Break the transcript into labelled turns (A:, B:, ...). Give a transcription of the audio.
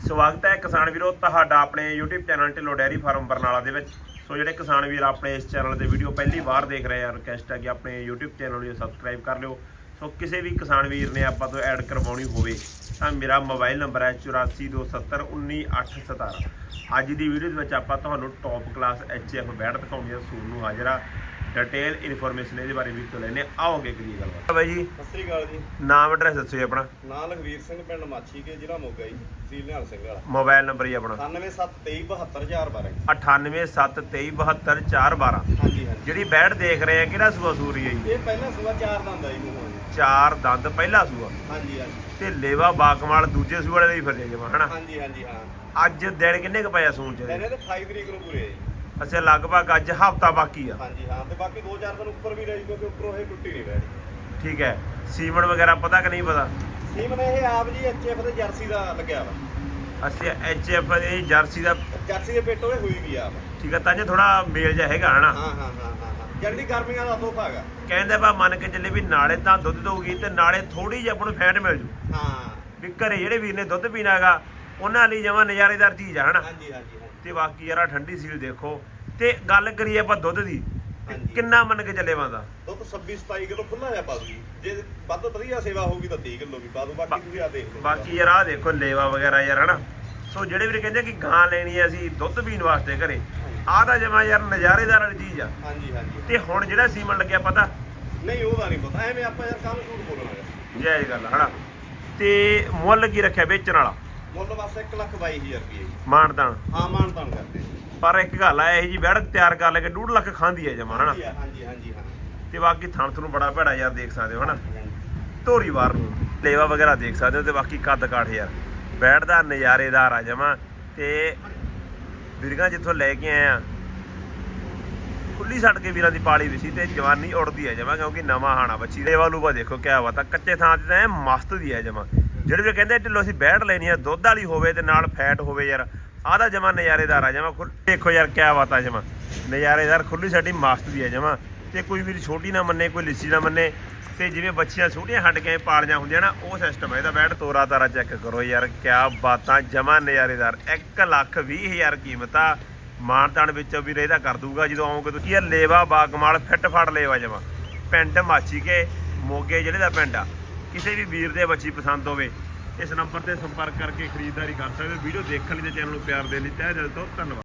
A: ਸਵਾਗਤ ਹੈ ਕਿਸਾਨ ਵੀਰੋ ਤੁਹਾਡਾ ਆਪਣੇ YouTube channel Dhillon dairy farm Barnala ਦੇ ਵਿੱਚ। ਸੋ ਜਿਹੜੇ ਕਿਸਾਨ ਵੀਰ ਆਪਣੇ ਇਸ ਚੈਨਲ ਤੇ ਵੀਡੀਓ ਪਹਿਲੀ ਵਾਰ ਦੇਖ ਰਹੇ ਆ, ਰਿਕਵੈਸਟ ਹੈ ਕਿ ਆਪਣੇ YouTube ਚੈਨਲ ਨੂੰ ਸਬਸਕ੍ਰਾਈਬ ਕਰ ਲਿਓ। ਸੋ ਕਿਸੇ ਵੀ ਕਿਸਾਨ ਵੀਰ ਨੇ ਆਪਾਂ ਤੋਂ ਐਡ ਕਰਵਾਉਣੀ ਹੋਵੇ ਤਾਂ ਮੇਰਾ ਮੋਬਾਈਲ ਨੰਬਰ ਹੈ 8427191817। ਅੱਜ ਦੀ ਵੀਡੀਓ ਦੇ ਵਿੱਚ ਆਪਾਂ ਤੁਹਾਨੂੰ ਟੌਪ ਕਲਾਸ HF ਬੈਡ ਦਿਖਾਉਣੀ ਹੈ। ਸੂਰ ਨੂੰ ਹਾਜ਼ਰਾ डिटेल इन्फॉर्मेशन ਇਹਦੇ ਬਾਰੇ ਵੀ ਤੋਂ ਲੈਣੇ ਆਓਗੇ ਕਰੀਏ ਗੱਲਬਾਤ। ਬਾਈ ਜੀ
B: ਸਤਿ ਸ੍ਰੀ ਅਕਾਲ ਜੀ।
A: ਨਾਮ ਐਡਰੈਸ ਦੱਸੋ ਜੀ ਆਪਣਾ।
B: ਨਾਮ ਲਖਵੀਰ ਸਿੰਘ ਪਿੰਡ ਮਾਛੀ ਕੇ ਜ਼ਿਲ੍ਹਾ ਮੋਗਾ ਜੀ, ਤਹਿਸੀਲ ਨਿਹਾਲ ਸਿੰਘ ਵਾਲਾ।
A: ਮੋਬਾਈਲ ਨੰਬਰ ਹੀ ਆਪਣਾ
B: 9773272412
A: 9873272412।
B: ਹਾਂਜੀ ਹਾਂਜੀ।
A: ਜਿਹੜੀ ਬੈਡ ਦੇਖ ਰਹੇ ਆ ਕਿਹੜਾ ਸੂਆ ਸੂਰੀ ਹੈ ਜੀ?
B: ਇਹ ਪਹਿਲਾ ਸੂਆ 4 ਦੰਦ ਆ ਜੀ ਮੂੰਹੋਂ ਜੀ।
A: 4 ਦੰਦ ਪਹਿਲਾ ਸੂਆ।
B: ਹਾਂਜੀ ਹਾਂਜੀ।
A: ਤੇ ਲੇਵਾ ਬਾਕਮਾਲ ਦੂਜੇ ਸੂਆ ਵਾਲੇ ਲਈ ਫਿਰਦੇ ਜਮਾ ਹਨਾ।
B: ਹਾਂਜੀ ਹਾਂਜੀ ਹਾਂ।
A: ਅੱਜ ਦਿਨ ਕਿੰਨੇ ਕ ਪਿਆ ਸੂਣ ਚ?
B: ਇਹਨੇ ਤੇ 28 ਤਰੀਕ ਨੂੰ ਪੂਰੇ ਆ ਜੀ।
A: ਅੱਛਾ ਲਗਭਗ ਅੱਜ ਹਫਤਾ ਬਾਕੀ ਆ।
B: ਹਾਂਜੀ ਹਾਂ, ਤੇ ਬਾਕੀ 2-4 ਦਿਨ ਉੱਪਰ ਵੀ ਰਹੀ ਕਿਉਂਕਿ ਉੱਪਰੋਂ ਇਹ ਟੁੱਟੀ ਨਹੀਂ ਰਹੀ।
A: ਠੀਕ ਹੈ। ਸੀਮਨ ਵਗੈਰਾ ਪਤਾ ਕਿ ਨਹੀਂ ਪਤਾ?
B: ਸੀਮਨ ਇਹ ਆਪ ਜੀ HF ਤੇ ਜਰਸੀ ਦਾ ਲੱਗਿਆ ਵਾ।
A: ਅੱਛਾ HF ਇਹ ਜਰਸੀ ਦਾ।
B: ਜਰਸੀ ਦੇ ਪੇਟੋਂ ਇਹ ਹੋਈ ਵੀ ਆਪ।
A: ਠੀਕ ਹੈ, ਤਾਂ ਜੇ ਥੋੜਾ ਮੇਲ ਜਿਹਾ ਹੈਗਾ ਹਨਾ।
B: ਹਾਂ ਹਾਂ ਹਾਂ ਹਾਂ। ਜਲਦੀ ਗਰਮੀਆਂ ਦਾ ਤੋਹਫਾ ਹੈਗਾ।
A: ਕਹਿੰਦੇ ਬਾ ਮੰਨ ਕੇ ਚੱਲੇ ਵੀ ਨਾਲੇ ਤਾਂ ਦੁੱਧ ਦਊਗੀ ਤੇ ਨਾਲੇ ਥੋੜੀ ਜਿਹੀ ਆਪਾਂ ਨੂੰ ਫੈਟ ਮਿਲ ਜੂ।
B: ਹਾਂ
A: ਵੀ ਘਰੇ ਜਿਹੜੇ ਵੀਰ ਨੇ ਦੁੱਧ ਪੀਣਾ ਹੈਗਾ ਉਹਨਾਂ ਲਈ ਜਮਾਂ ਨਜ਼ਾਰੇਦਾਰ ਚੀਜ਼ ਆ ਹਨਾ।
B: ਹਾਂਜੀ ਹਾਂਜੀ।
A: ਤੇ ਬਾਕੀ ਯਾਰ ਠੰਡੀ ਸੀਲ ਦੇਖੋ। ਤੇ ਗੱਲ ਕਰੀਏ ਆਪਾਂ ਦੁੱਧ ਦੀ, ਕਿੰਨਾ ਮੰਨ ਕੇ ਚੱਲੇ ਬੰਦਾ?
B: ਦੁੱਧ 26-27 ਕਿਲੋ ਖੁੱਲਾ ਜਾ ਪਾ ਦੂ। ਜੇ ਵੱਧ ਵਧੀਆ ਸੇਵਾ ਹੋਊਗੀ ਤਾਂ 30 ਕਿਲੋ ਵੀ ਪਾ ਦੂ। ਬਾਕੀ ਤੁਸੀਂ ਆ ਦੇਖ ਲਓ।
A: ਬਾਕੀ ਯਾਰ ਆਹ ਦੇਖੋ ਲੇਵਾ ਵਗੈਰਾ ਯਾਰ ਹਨਾ। ਸੋ ਜਿਹੜੇ ਵੀਰ ਕਹਿੰਦੇ ਕਿ ਗਾਂ ਲੈਣੀ ਹੈ ਅਸੀਂ ਦੁੱਧ ਪੀਣ ਵਾਸਤੇ ਘਰੇ, ਆਹ ਤਾਂ ਜਮਾਂ ਯਾਰ ਨਜ਼ਾਰੇਦਾਰ ਵਾਲੀ ਚੀਜ਼ ਆ।
B: ਹਾਂਜੀ ਹਾਂਜੀ।
A: ਤੇ ਹੁਣ ਜਿਹੜਾ ਸੀਮਨ ਲੱਗਿਆ ਪਤਾ
B: ਨਹੀਂ ਉਹਦਾ ਨਹੀਂ ਪਤਾ, ਐਵੇਂ ਆਪਾਂ ਯਾਰ ਕੰਮ ਝੂਠ ਬੋਲਣਾ।
A: ਜਾਇਜ਼ ਗੱਲ ਹਨਾ। ਤੇ ਮੁੱਲ ਕੀ ਰੱਖਿਆ ਵੇਚਣ ਵਾਲਾ?
B: ਮੁੱਲ ਬਸ 1,22,000 ਰੁਪਏ।
A: ਮਾਨਤਾਨ
B: ਹਾਂ ਮਾਨਤਾਨ ਕਰਦੇ।
A: ਪਰ ਇੱਕ ਗੱਲ ਆ, ਇਹ ਜੀ ਬੈੜ ਤਿਆਰ ਕਰ ਲੈ ਕੇ 2.5 ਲੱਖ ਖਾਂਦੀ ਹੈ ਜਮਾ ਹਨਾ।
B: ਹਾਂਜੀ ਹਾਂਜੀ ਹਾਂ।
A: ਤੇ ਬਾਕੀ ਥਣ ਨੂੰ ਬੜਾ ਭੈੜਾ ਯਾਰ ਦੇਖ ਸਕਦੇ ਹੋ ਹਨਾ। ਧੋਰੀ ਵਾਰ ਨੂੰ ਲੇਵਾ ਵਗੈਰਾ ਦੇਖ ਸਕਦੇ ਹੋ। ਤੇ ਬਾਕੀ ਕੱਦ ਕਾਠ ਯਾਰ ਬੈੜ ਦਾ ਨਜ਼ਾਰੇਦਾਰ ਆ ਜਮਾ। ਤੇ ਵੀਰਾਂ ਜਿੱਥੋਂ ਲੈ ਕੇ ਆਏ ਆ ਖੁੱਲੀ ਛੱਡ ਕੇ ਵੀਰਾਂ ਦੀ ਪਾਲੀ ਵੀ ਸੀ ਤੇ ਜਵਾਨੀ ਉੜਦੀ ਹੈ ਜਮਾ, ਕਿਉਂਕਿ ਨਵਾਂ ਹਾਣਾ ਬੱਚੀ। ਲੇਵਾ ਲੂਵਾ ਦੇਖੋ ਕਿਆ ਬਾਤ ਆ, ਕੱਚੇ ਥਾਂ ਤੇ ਤਾਂ ਮਸਤ ਦੀ ਹੈ ਜਮਾ। ਜਿਹੜੇ ਵੀ ਕਹਿੰਦੇ ਢਿੱਲੋਂ ਅਸੀਂ ਬੈੜ ਲੈਣੀ ਆ ਦੁੱਧ ਵਾਲੀ ਹੋਵੇ ਤੇ ਨਾਲ ਫੈਟ ਹੋਵੇ ਯਾਰ, ਆਹ ਦਾ ਜਮਾ ਨਜ਼ਾਰੇਦਾਰ ਆ ਜਮਾ। ਦੇਖੋ ਯਾਰ ਕਿਆ ਬਾਤ ਆ ਜਮਾ ਨਜ਼ਾਰੇਦਾਰ, ਖੁੱਲੀ ਛੱਡੀ ਮਸਤ ਦੀ ਹੈ ਜਮਾ। ਤੇ ਕੋਈ ਵੀਰ ਛੋਟੀ ਨਾ ਮੰਨੇ, ਕੋਈ ਲਿੱਸੀ ਨਾ ਮੰਨੇ। ਤੇ ਜਿਵੇਂ ਬੱਚੀਆਂ ਛੋਟੀਆਂ ਹੱਡ ਕੇ ਪਾਲੀਆਂ ਹੁੰਦੀਆਂ ਨਾ, ਉਹ ਸਿਸਟਮ ਹੈ ਇਹਦਾ। ਬੈਡ ਤੋਰਾ ਤਾਰਾ ਚੈੱਕ ਕਰੋ ਯਾਰ ਕਿਆ ਬਾਤਾਂ, ਜਮਾ ਨਜ਼ਾਰੇਦਾਰ। 1,20,000 ਕੀਮਤ ਆ। ਮਾਨਤਾਨ ਵਿੱਚੋਂ ਵੀ ਇਹਦਾ ਕਰ ਦੂਗਾ ਜਦੋਂ ਆਉਂਗੇ ਤੁਸੀਂ। ਯਾਰ ਲੇਵਾ ਬਾਗਮਾਲ ਫਿੱਟ ਫੜ ਲੇਵਾ ਜਮਾ। ਪਿੰਡ ਮਾਛੀ ਕੇ ਮੋਗੇ ਜ਼ਿਲ੍ਹੇ ਦਾ ਪਿੰਡ ਆ। ਕਿਸੇ ਵੀ ਵੀਰ ਦੇ ਬੱਚੀ ਪਸੰਦ ਹੋਵੇ ਇਸ ਨੰਬਰ ਤੇ ਸੰਪਰਕ ਕਰਕੇ ਖਰੀਦਦਾਰੀ ਕਰ ਸਕਦੇ ਹੋ। ਵੀਡੀਓ ਦੇਖਣ ਲਈ ਤੇ ਚੈਨਲ ਨੂੰ ਪਿਆਰ ਦੇਣ ਲਈ ਤਹਿ ਦਿਲ ਤੋਂ ਧੰਨਵਾਦ।